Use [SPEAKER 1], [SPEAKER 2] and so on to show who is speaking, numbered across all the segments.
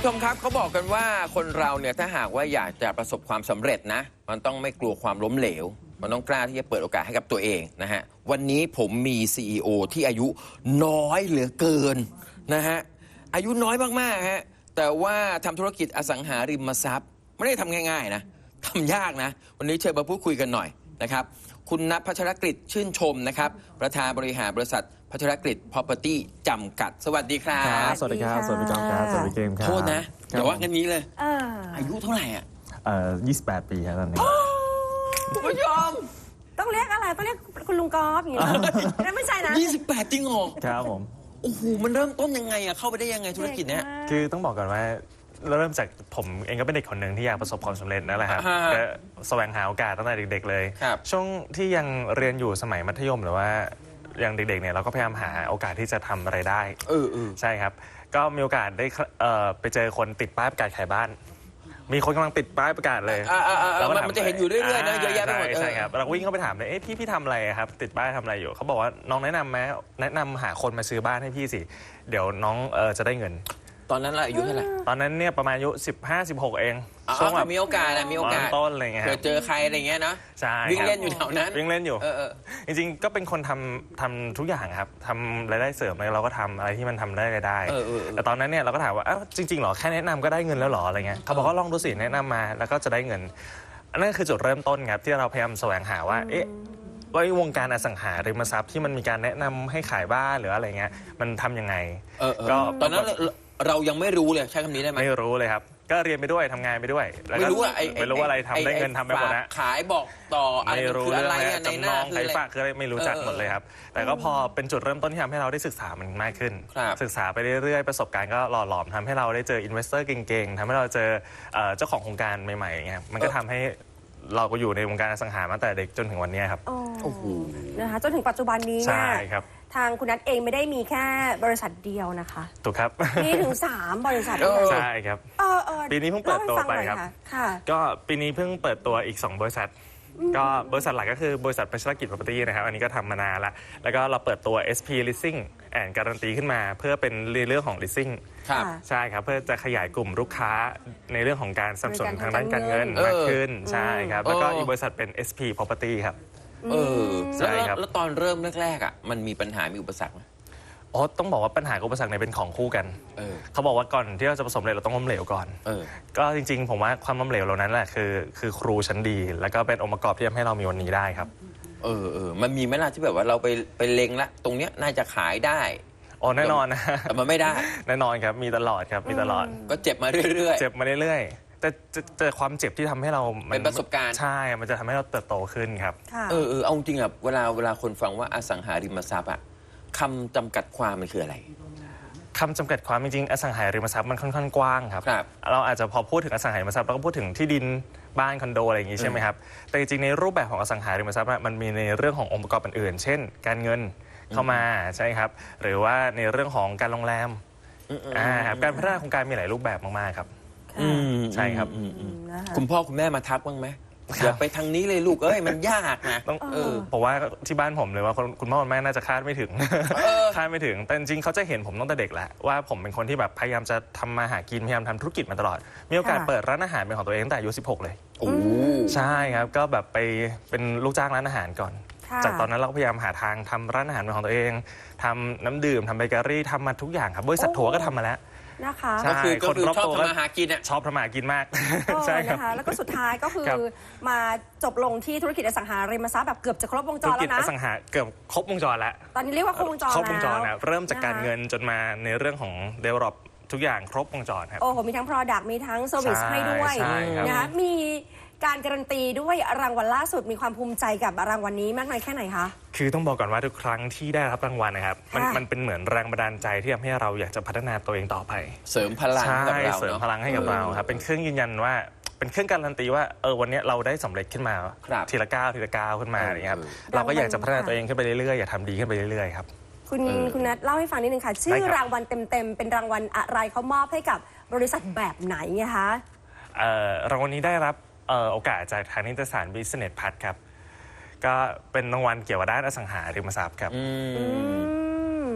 [SPEAKER 1] ชมครับเขาบอกกันว่าคนเราเนี่ยถ้าหากว่าอยากจะประสบความสำเร็จนะมันต้องไม่กลัวความล้มเหลวมันต้องกล้าที่จะเปิดโอกาสให้กับตัวเองนะฮะวันนี้ผมมี CEO ที่อายุน้อยเหลือเกินนะฮะอายุน้อยมากๆฮะแต่ว่าทำธุรกิจอสังหาริมทรัพย์ไม่ได้ทำง่ายๆนะทำยากนะวันนี้เชิญมาพูดคุยกันหน่อยนะครับคุณณัฐ พัชรกฤษชื่นชมนะครับประธานบริหารบริษัทพัชรกฤษ Property จำกัดสวัสดีครับ
[SPEAKER 2] สวัสดีครับสวัสดีครับสวัสดีเกมครับ
[SPEAKER 1] โทษนะเดี๋ยวว่ากันนี้เลยอายุเท่าไหร่อ่ะ
[SPEAKER 2] 28 ปีครับตอนนี้
[SPEAKER 1] คุณผู้ชม
[SPEAKER 3] ต้องเรียกอะไรต้องเรียกคุณลุงกอล์ฟอย่างเงี้ยนั่นไม่ใช่นะ
[SPEAKER 1] 28จริงเหรอ
[SPEAKER 2] ครับผม
[SPEAKER 1] โอ้โหมันเริ่มต้นยังไงอ่ะเข้าไปได้ยังไงธุรกิจเนี้ย
[SPEAKER 2] คือต้องบอกก่อนว่าเริ่มจากผมเองก็เป็นเด็กคนหนึ่งที่อยากประสบความสำเร็จนั่นแหละครับก็แสวงหาโอกาสตั้งแต่เด็กๆเลยช่วงที่ยังเรียนอยู่สมัยมัธยมหรือว่ายังเด็กๆเนี่ยเราก็พยายามหาโอกาสที่จะทำอะไรได้ใช่ครับก็มีโอกาสได้ไปเจอคนติดป้ายประกาศขายบ้านมีคนกำลังติดป้ายประกาศเลย
[SPEAKER 1] แล้วมันจะเห็นอยู่เรื่อยๆนะเยอะแยะไปหมด
[SPEAKER 2] ใช่ครับเราวิ่งเข้าไปถามเลยพี่ทำอะไรครับติดป้ายทำอะไรอยู่เขาบอกว่าน้องแนะนำไหมแนะนำหาคนมาซื้อบ้านให้พี่สิเดี๋ยวน้องจะได้เงิน
[SPEAKER 1] ตอนนั้นเราอายุเท่าไหร่
[SPEAKER 2] ตอนนั้นเนี่ยประมาณอายุ15-16เอง
[SPEAKER 1] ช่วงแบบมีโอกาส
[SPEAKER 2] ต้นอะไรเงี้ย
[SPEAKER 1] เจอใครอะไรเงี้ยนะ
[SPEAKER 2] ใช่
[SPEAKER 1] วิ่งเล่นอยู่แถวนั้น
[SPEAKER 2] วิ่งเล่นอยู่จริงๆก็เป็นคนทำทุกอย่างครับทำรายได้เสริมอะไรเราก็ทำอะไรที่มันทำได้รายได้แต่ตอนนั้นเนี่ยเราก็ถามว่าจริงๆหรอแค่แนะนำก็ได้เงินแล้วหรออะไรเงี้ยเขาบอกว่าลองดูสิแนะนำมาแล้วก็จะได้เงินอันนั้นคือจุดเริ่มต้นครับที่เราพยายามแสวงหาว่าวงการอสังหาริมทรัพย์ที่มันมีการแนะนำให้ขายบ้านหรืออะไรเงี้ยมันทำยังไง
[SPEAKER 1] ก็ตอนนั้นเรายังไม่รู้เลยใช้คำนี้ได้ไหม
[SPEAKER 2] ไม่รู้เลยครับก็เรียนไปด้วยทำงานไปด้วย
[SPEAKER 1] ไม่รู้
[SPEAKER 2] อะไรทำได้เงินทำไปหมดนะ
[SPEAKER 1] ขายบอกต่อ
[SPEAKER 2] ไม่รู้เรื่องอะไรจำนองขายฝากคืออะไรไม่รู้จักหมดเลยครับแต่ก็พอเป็นจุดเริ่มต้นที่ทำให้เราได้ศึกษามันมากขึ้นศึกษาไปเรื่อยๆประสบการณ์ก็หล่อหลอมทำให้เราได้เจออินเวสเตอร์เก่งๆทำให้เราเจอเจ้าของโครงการใหม่ๆเงี้ยมันก็ทำให้เราก็อยู่ในวงการอสังหามาแต่เด็กจนถึงวันนี้ครับ
[SPEAKER 3] โอ้โหนะคะจนถึงปัจจุบันนี้เนี่ย
[SPEAKER 2] ใช่ครับ
[SPEAKER 3] ทางคุณนัทเองไม่ได้มีแค่บริษัทเดียวนะคะ
[SPEAKER 2] ถูกครับ
[SPEAKER 3] มีถึง3บริษัท
[SPEAKER 2] ใช่ครับปีนี้เพิ่งเปิดตัวไปครับก็ปีนี้เพิ่งเปิดตัวอีก2บริษัทก็บริษัทหลักก็คือบริษัทพัชรกิจ Property นะครับอันนี้ก็ทำมานานแล้วก็เราเปิดตัว SP Leasing and Guarantee ขึ้นมาเพื่อเป็นเรื่องของ Leasing ใช่ครับเพื่อจะขยายกลุ่มลูกค้าในเรื่องของการสนับสนุนทางด้านการเงินมากขึ้นใช่ครับแล้วก็อีกบริษัทเป็น SP Property ครับ
[SPEAKER 1] ใช่ครับแล้วตอนเริ่มแรกๆอ่ะมันมีปัญหามีอุปสรรคไหม
[SPEAKER 2] ต้องบอกว่าปัญหากับอุปสรรคเนี่ยเป็นของคู่กันเขาบอกว่าก่อนที่เราจะประสบความสำเร็จเราต้องล้มเหลวก่อนก็จริงๆผมว่าความล้มเหลวเหล่านั้นแหละคือครูชั้นดีแล้วก็เป็นองค์ประกอบที่ทำให้เรามีวันนี้ได้ครับ
[SPEAKER 1] มันมีไหมล่ะที่แบบว่าเราไปเล็งละตรงเนี้ยน่าจะขายได้
[SPEAKER 2] แน่นอนนะ
[SPEAKER 1] แต่มันไม่ได้
[SPEAKER 2] แน่นอนครับมีตลอดครับมีตลอด
[SPEAKER 1] ก็เจ็บมาเรื่อย
[SPEAKER 2] ๆเจ็บมาเรื่อยๆแต่ความเจ็บที่ทำให้เรา
[SPEAKER 1] เป็นประสบการณ์
[SPEAKER 2] ใช่มันจะทำให้เราเติบโตขึ้นครับ
[SPEAKER 1] เอาจริงอ่ะเวลาคนฟังว่าอสังหาริมทรัพย์อ่ะคำจำกัดความมันคืออะไร
[SPEAKER 2] คำจำกัดความจริงๆอสังหาริมทรัพย์มันค่อนข้างกว้างครับเราอาจจะพอพูดถึงอสังหาริมทรัพย์เราก็พูดถึงที่ดินบ้านคอนโดอะไรอย่างงี้ใช่ไหมครับแต่จริงๆในรูปแบบของอสังหาริมทรัพย์มันมีในเรื่องขององค์ประกอบอื่นๆเช่นการเงินเข้ามาใช่ครับหรือว่าในเรื่องของการโรงแรมการพัฒนาโครงการมีหลายรูปแบบมากๆครับใช่ครับ
[SPEAKER 1] คุณพ่อคุณแม่มาทักบ้างไหมอย่าไปทางนี้เลยลูกมันยากนะ
[SPEAKER 2] ผมว่าที่บ้านผมเลยว่าคุณพ่อคุณแม่น่าจะคาดไม่ถึงคาดไม่ถึงแต่จริงๆเขาจะเห็นผมตั้งแต่เด็กแล้วว่าผมเป็นคนที่แบบพยายามจะทำมาหากินพยายามทำธุรกิจมาตลอดมีโอกาสเปิดร้านอาหารเป็นของตัวเองตั้งแต่อายุ16เลยใช่ครับก็แบบไปเป็นลูกจ้างร้านอาหารก่อนจากตอนนั้นเราก็พยายามหาทางทำร้านอาหารเป็นของตัวเองทำน้ำดื่มทำเบเกอรี่ทำมาทุกอย่างครับบริษัททัวร์ก็ทำมาแล้ว
[SPEAKER 3] นะคะ
[SPEAKER 1] ก็คือชอบทำมาหากินอ่ะ
[SPEAKER 2] ชอบทำมาหากินมาก
[SPEAKER 3] ใช่นะคะแล้วก็สุดท้ายก็คือมาจบลงที่ธุรกิจอสังหาริมทรัพย์แบบเกือบจะครบวงจรแล้วนะ
[SPEAKER 2] ธุรกิจอสังหาเกือบครบวงจรแล้ว
[SPEAKER 3] ตอนนี้เรียกว่าครบวงจร
[SPEAKER 2] แล้วเริ่มจากการเงินจนมาในเรื่องของ develop ทุกอย่างครบวงจรครับ
[SPEAKER 3] โอ้โหมีทั้ง product มีทั้ง service ให้ด้วยนะคะมีการการันตีด้วยรางวัลล่าสุดมีความภูมิใจกับรางวัลนี้มากน้อยแค่ไหนคะ
[SPEAKER 2] คือต้องบอกก่อนว่าทุกครั้งที่ได้รับรางวัลนะครับมันเป็นเหมือนแรงบันดาลใจที่ทำให้เราอยากจะพัฒนาตัวเองต่อไป
[SPEAKER 1] เสริมพลังให้กับเรา
[SPEAKER 2] เสริมพลังให้กับเราครับเป็นเครื่องยืนยันว่าเป็นเครื่องการันตีว่าวันนี้เราได้สำเร็จขึ้นมาทีละก้าวขึ้นมาอย่างเงี้ยครับเราก็อยากจะพัฒนาตัวเองขึ้นไปเรื่อยๆอยากทำดีขึ้นไปเรื่อยๆครับ
[SPEAKER 3] คุณนัทเล่าให้ฟังนิดนึงค่ะชื่อรางวัลเต็มๆเป็นรางวัลอะไรเขามอบให้กับบริษัทแบบไหนคะ
[SPEAKER 2] รางวัลนี้ได้รับโอกาสจากทางนิตยสาร Business Plus ครับก็เป็นรางวัลเกี่ยวกับด้านอสังหาริมทรัพย์ครับ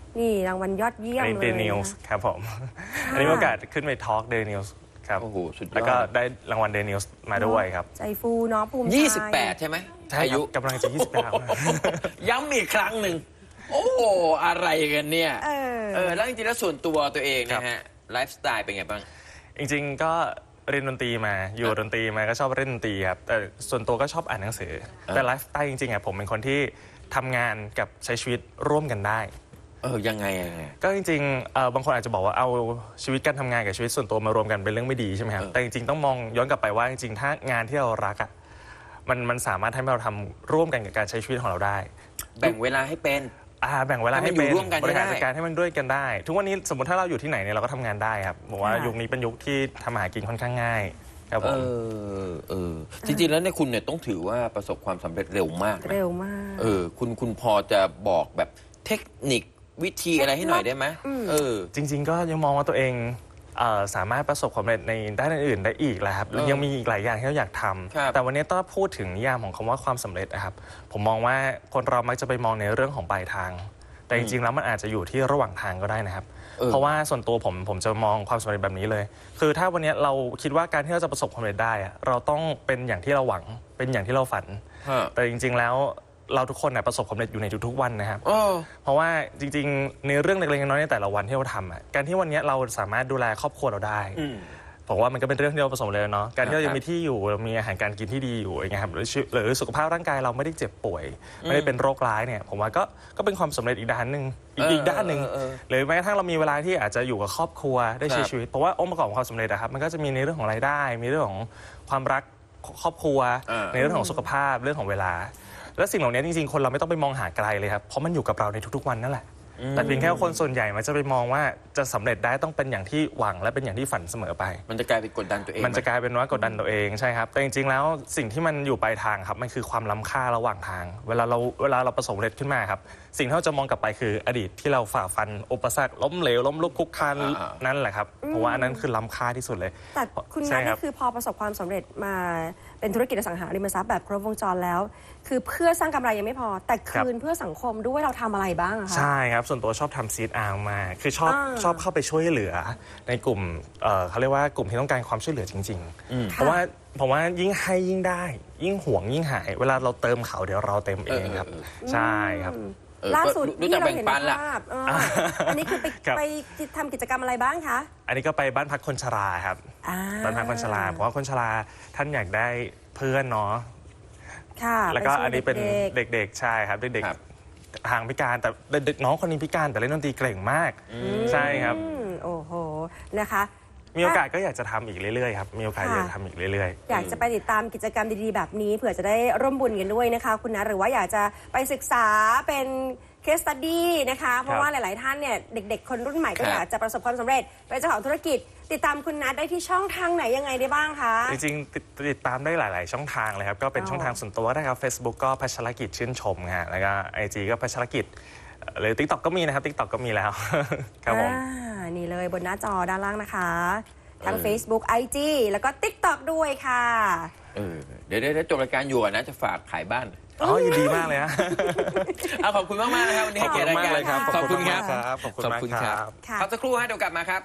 [SPEAKER 3] นี่รางวัลยอดเยี่ยม
[SPEAKER 2] อันนี้
[SPEAKER 3] เลย
[SPEAKER 2] เดนิวส์ครับผมอันนี้มีโอกาสขึ้นไปทอล์กเดนิวส์ครับ
[SPEAKER 1] โอ้โหสุดยอด
[SPEAKER 2] แล้วก็ได้รางวัลเดนิวส์มาด้วยครับ
[SPEAKER 3] ใจฟูเนาะภูมิใจ
[SPEAKER 1] 28 ใช่ไหม
[SPEAKER 2] ใช่
[SPEAKER 1] อา
[SPEAKER 2] ครั
[SPEAKER 1] ยุ
[SPEAKER 2] บกำลังจะ29
[SPEAKER 1] ย้ำอีกครั้งหนึ่ง โอ้โหอะไรกันเนี่ย แล้วจริงๆแล้วส่วนตัวตัวเองนะฮะไลฟ์สไตล์เป็นไงบ้าง
[SPEAKER 2] จริงๆก็เรียนดนตรีมาอยู่ดนตรีมาก็ชอบเล่นดนตรีครับแต่ส่วนตัวก็ชอบอ่านหนังสือแต่ไลฟ์สไตล์จริงๆผมเป็นคนที่ทำงานกับใช้ชีวิตร่วมกันได้
[SPEAKER 1] ยังไง
[SPEAKER 2] ก็จริงๆบางคนอาจจะบอกว่าเอาชีวิตการทำงานกับชีวิตส่วนตัวมารวมกันเป็นเรื่องไม่ดีใช่ไหมครับแต่จริงๆต้องมองย้อนกลับไปว่าจริงๆถ้างานที่เรารักอ่ะมันสามารถทำให้เราทำร่วมกันกับการใช้ชีวิตของเราได้
[SPEAKER 1] แบ่งเวลาให้เป็น
[SPEAKER 2] แบ่งเวลาให้เป็น
[SPEAKER 1] ร่วมกัน
[SPEAKER 2] บริหารจัดการให้มันด้วยกันได้ ทุกวันนี้สมมติถ้าเราอยู่ที่ไหนเนี่ยเราก็ทำงานได้ครับบอกว่ายุคนี้เป็นยุคที่ทำอาหารกินค่อนข้างง่ายครับผม
[SPEAKER 1] จริงๆแล้วเนี่ยคุณเนี่ยต้องถือว่าประสบความสำเร็จเร็วมากนะ
[SPEAKER 3] เร็วมาก
[SPEAKER 1] คุณพอจะบอกแบบเทคนิควิธีอะไรให้หน่อยได้ไหม
[SPEAKER 2] จริงๆก็ยังมองว่าตัวเองสามารถประสบความสำเร็จในด้านอื่นๆได้อีกแหละครับยังมีอีกหลายอย่างที่เราอยากทำแต่วันนี้ต้องพูดถึงนิยามของคำว่าความสำเร็จนะครับผมมองว่าคนเรามักจะไปมองในเรื่องของปลายทางแต่จริงๆแล้วมันอาจจะอยู่ที่ระหว่างทางก็ได้นะครับเพราะว่าส่วนตัวผมจะมองความสำเร็จแบบนี้เลยคือถ้าวันนี้เราคิดว่าการที่เราจะประสบความสำเร็จได้เราต้องเป็นอย่างที่เราหวังเป็นอย่างที่เราฝันแต่จริงๆแล้วเราทุกคนประสบความสำเร็จอยู่ในทุกๆวันนะครับเพราะว่าจริงๆในเรื่องเล็กๆน้อยๆในแต่ละวันที่เราทำการที่วันนี้เราสามารถดูแลครอบครัวเราได้ผมว่ามันก็เป็นเรื่องที่เราประสบเลยเนาะการที่เรายังมีที่อยู่เรามีอาหารการกินที่ดีอยู่อย่างเงี้ยครับหรือสุขภาพร่างกายเราไม่ได้เจ็บป่วยไม่ได้เป็นโรคร้ายเนี่ยผมว่าก็เป็นความสำเร็จอีกด้านหนึ่งอีกด้านหนึ่งหรือแม้กระทั่งเรามีเวลาที่อาจจะอยู่กับครอบครัวได้ใช้ชีวิตเพราะว่าองค์ประกอบของความสำเร็จครับมันก็จะมีในเรื่องของรายได้มีเรื่องของความรักครอบครัวในเรื่องของสุขภาพเรื่องของเวลาและสิ่งเหล่านี้จริงๆคนเราไม่ต้องไปมองหาไกลเลยครับเพราะมันอยู่กับเราในทุกๆวันนั่นแหละแต่เพียงแค่คนส่วนใหญ่มันจะไปมองว่าจะสำเร็จได้ต้องเป็นอย่างที่หวังและเป็นอย่างที่ฝันเสมอไป
[SPEAKER 1] มันจะกลายเป็นกดดันตัวเอง
[SPEAKER 2] มันจะกลายเป็นว่ากดดันตัวเองใช่ครับแต่จริงๆแล้วสิ่งที่มันอยู่ปลายทางครับมันคือความล้ำค่าระหว่างทางเวลาเราประสบความสำเร็จขึ้นมาครับสิ่งที่เราจะมองกลับไปคืออดีตที่เราฝ่าฟันอุปสรรคล้มเหลวล้มลุกคลุกคลานนั่นแหละครับเพราะว่าอันนั้นคือล้ำค่าที่สุดเลย
[SPEAKER 3] แต่คุณนัทนี่คือพอประสบความสำเร็จมาเป็นธุรกิจอสังหาริมทรัพย์แบบครบวงจรแล้วคือเพื่อสร้างกำไรยังไม่พอแต่คืนเพื่อสังคมด้วยเราทำอะไรบ้างคะ
[SPEAKER 2] ใช่ครับส่วนตัวชอบทำซีดอาร์มาคือชอบเข้าไปช่วยเหลือในกลุ่มเขาเรียกว่ากลุ่มที่ต้องการความช่วยเหลือจริงๆเพราะว่าผมว่ายิ่งให้ยิ่งได้ยิ่งห่วงยิ่งหายเวลาเราเติมเขาเดี๋ยวเราเต็มเองครับใช่ครับ
[SPEAKER 3] ล่าสุดที่เราเห็นภาพอันนี้คือไปทำกิจกรรมอะไรบ้างคะ
[SPEAKER 2] อันนี้ก็ไปบ้านพักคนชราครับบ้านพักคนชราเพราะว่าคนชราท่านอยากได้เพื่อนเนาะแล้วก็อันนี้เป็นเด็กๆใช่ครับเด็กๆทางพิการแต่เด็กน้องคนนี้พิการแต่เล่นดนตรีเก่งมากใช่ครับ
[SPEAKER 3] โอ้โหนะคะ
[SPEAKER 2] มีโอกาสก็อยากจะทำอีกเรื่อยๆครับมีโอกาสอยากจะทำอีกเรื่อย
[SPEAKER 3] ๆอยากจะไปติดตามกิจกรรมดีๆแบบนี้เผื่อจะได้ร่วมบุญกันด้วยนะคะคุณนะหรือว่าอยากจะไปศึกษาเป็นcase study นะคะเพราะว่าหลายๆท่านเนี่ยเด็กๆคนรุ่นใหม่ก็อยากจะประสบความสำเร็จเป็นเจ้าของธุรกิจติดตามคุณนัทได้ที่ช่องทางไหนยังไงได้บ้างคะ
[SPEAKER 2] จริงๆติดตามได้หลายๆช่องทางเลยครับก็เป็นช่องทางส่วนตัวได้ครับ Facebook ก็พัชรกิจชื่นชมฮะแล้วก็ IG ก็พัชรกิจหรือ TikTok ก็มีนะครับ TikTok ก็มีแล้วครับผม
[SPEAKER 3] นี่เลยบนหน้าจอด้านล่างนะคะทั้ง Facebook IG แล้วก็ TikTok ด้วยค่ะ
[SPEAKER 1] เดี๋ยวจบรายการอยู่นะจะฝากขายบ้าน
[SPEAKER 2] ยินดีมากเลยฮะ
[SPEAKER 1] ขอบคุณมากๆนะครับวันนี้ให้เกียรติรายการ
[SPEAKER 2] ขอบคุณครับ
[SPEAKER 1] ขอบคุณครับพักสักครู่ฮะเดี๋ยวกลับมาครับ